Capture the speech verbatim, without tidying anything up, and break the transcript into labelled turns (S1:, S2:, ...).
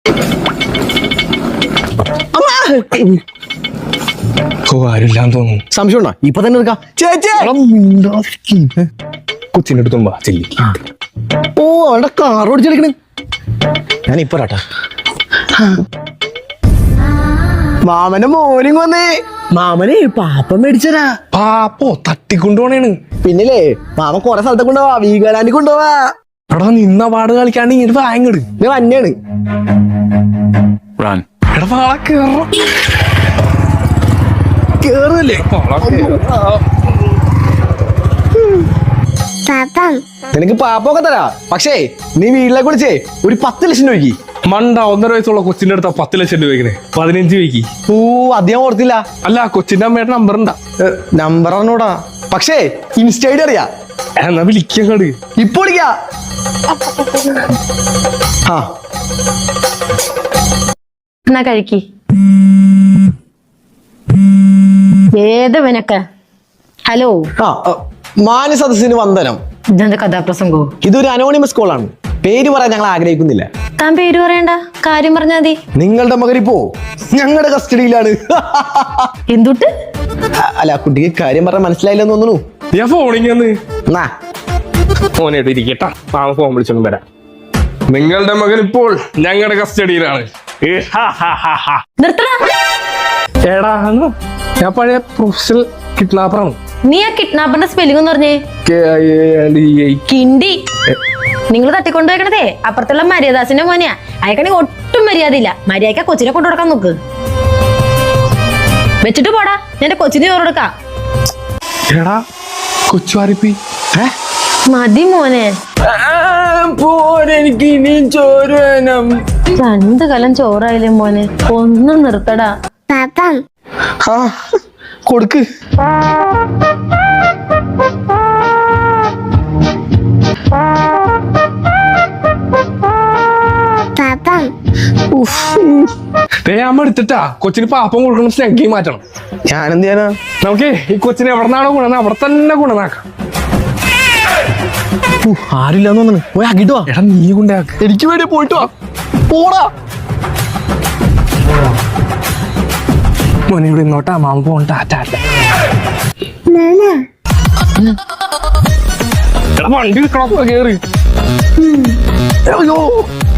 S1: ഓ ആരില്ലാന്ന് തോന്നുന്നു.
S2: സംശയം ഉണ്ടോ? ഇപ്പൊ തന്നെ എടുക്കാം.
S1: കൊച്ചിന്റെ അടുത്തുമ്പോ ചെല്ലി.
S2: ഓ അവിടെ കാർ ഓടിച്ചെടുക്കണ്. ഞാൻ ഇപ്പൊ രാട്ടാ മാമന്റെ മോർണിംഗ് വന്നേ. മാമനെ പാപ്പ മേടിച്ചരാ.
S1: പാപ്പോ തട്ടിക്കൊണ്ടുപോണേണ്.
S2: പിന്നില്ലേ മാമ കൊറേ സ്ഥലത്ത് കൊണ്ടുപോവാ. വീഗാലാൻഡിൽ കൊണ്ടുപോവാ.
S1: എടാ നിന്ന പാട് കളിക്കാണ്ട് ഇങ്ങനെ വാങ്ങട്.
S2: ഇത് വന്നെയാണ്.
S1: എടാ പാള കേറ കേറല്ലേ.
S2: നിനക്ക് പാപ്പൊക്കെ തരാ. പക്ഷേ നീ വീട്ടിലേക്ക് വിളിച്ചേ ഒരു പത്ത് ലക്ഷം രൂപയ്ക്ക്.
S1: മണ്ട ഒന്നര വയസ്സുള്ള കൊച്ചിന്റെ അടുത്ത പത്ത് ലക്ഷം രൂപയ്ക്ക് പതിനഞ്ച് രൂപയ്ക്ക്.
S2: ഓ അധികം ഓർത്തില്ല.
S1: അല്ല കൊച്ചിന്റെ അമ്മയുടെ നമ്പർ ഉണ്ടാ?
S2: നമ്പർ അറിഞ്ഞൂടാ. പക്ഷേ ഇൻസ്റ്റ ഐഡി അറിയാ.
S1: എന്നാ വിളിക്കങ്ങട്.
S2: ഇപ്പൊ വിളിക്കാ. ആ
S3: എന്നാ കഴിക്ക്. ഏതവനൊക്കെ ഹലോ.
S2: ആ മാന്യ സദസ്സിന് വന്ദനം.
S3: ഇതെന്താ കഥാപ്രസംഗോ?
S2: ഇതൊരു അനോണിമസ് കോൾ ആണ്. പേര് പറയാൻ ഞങ്ങൾ ആഗ്രഹിക്കുന്നില്ല.
S3: താൻ പേര് പറയണ്ട, കാര്യം പറഞ്ഞാ മതി.
S2: നിങ്ങളുടെ മകൻ ഇപ്പോ ഞങ്ങളുടെ കസ്റ്റഡിയിലാണ്.
S3: എന്തുട്ട്?
S2: അല്ല കുട്ടിക്ക് കാര്യം പറഞ്ഞാൽ മനസ്സിലായില്ലെന്ന് തോന്നുന്നു.
S1: ഞാൻ ഫോണിങ്ങന്ന്
S2: എന്നാ
S1: ഫോനായിട്ട് ഇരിക്കട്ടാ. മാമ ഫോൺ വിളിച്ചൊന്നും വരാം. നിങ്ങളുടെ മകൻ ഇപ്പോൾ ഞങ്ങളുടെ കസ്റ്റഡിയിലാണ്.
S3: നിർത്തടാ.
S1: എടാ ഞാൻ പഴയ പ്രൊഫഷണൽ കിഡ്നാപ്പറാണ്.
S3: നീ ആ കിഡ്നാപ്പറിന്റെ സ്പെല്ലിംഗ് എന്ന് പറഞ്ഞേ. കിണ്ടി. നിങ്ങൾ തട്ടിക്കൊണ്ടുപോയിക്കണതേ അപ്പുറത്തുള്ള മര്യാദാസിന്റെ മോനെയാ. അയക്കണെങ്കിൽ ഒട്ടും മര്യാദ ഇല്ല. മര്യാദ കൊച്ചിനെ കൊണ്ടു കൊടുക്കാൻ നോക്ക്. വെച്ചിട്ട് പോടാ. എന്റെ കൊച്ചിന് ചോറ് കൊടുക്കാം.
S1: എടാ കൊച്ചുവാരിപ്പി
S3: മതി മോനെ.
S2: എനിക്ക് ഇനിയും ചോറ് വേണം.
S3: രണ്ടു കലം ചോറായില്ലേ മോനെ. ഒന്നും നിർത്തടാ.
S2: ആ കൊടുക്ക്.
S1: അമ്മ എടുത്തിട്ടാ കൊച്ചിന് പാപ്പം കൊടുക്കണം. സ്നഗ്ഗി മാറ്റണം.
S2: ഞാനെന്ത് ചെയ്യാനാ?
S1: നമുക്ക് ഈ കൊച്ചിനെ എവിടെ നിന്നാണോ ഗുണം അവിടെ തന്നെ ഗുണനാക്കാം.
S2: ആരില്ലാന്ന് തോന്നുന്നു. പോയി ആക്കിട്ട് വാ.
S1: എടാ നീ കൊണ്ടാക്ക.
S2: എനിക്ക് വേണ്ടി പോയിട്ട് വാ. പോടാ
S1: മോനെ ഇവിടെ ഇന്നോട്ടാ. മാമ പോകണ്ട. എടാ വണ്ടി കേറി.
S2: അയ്യോ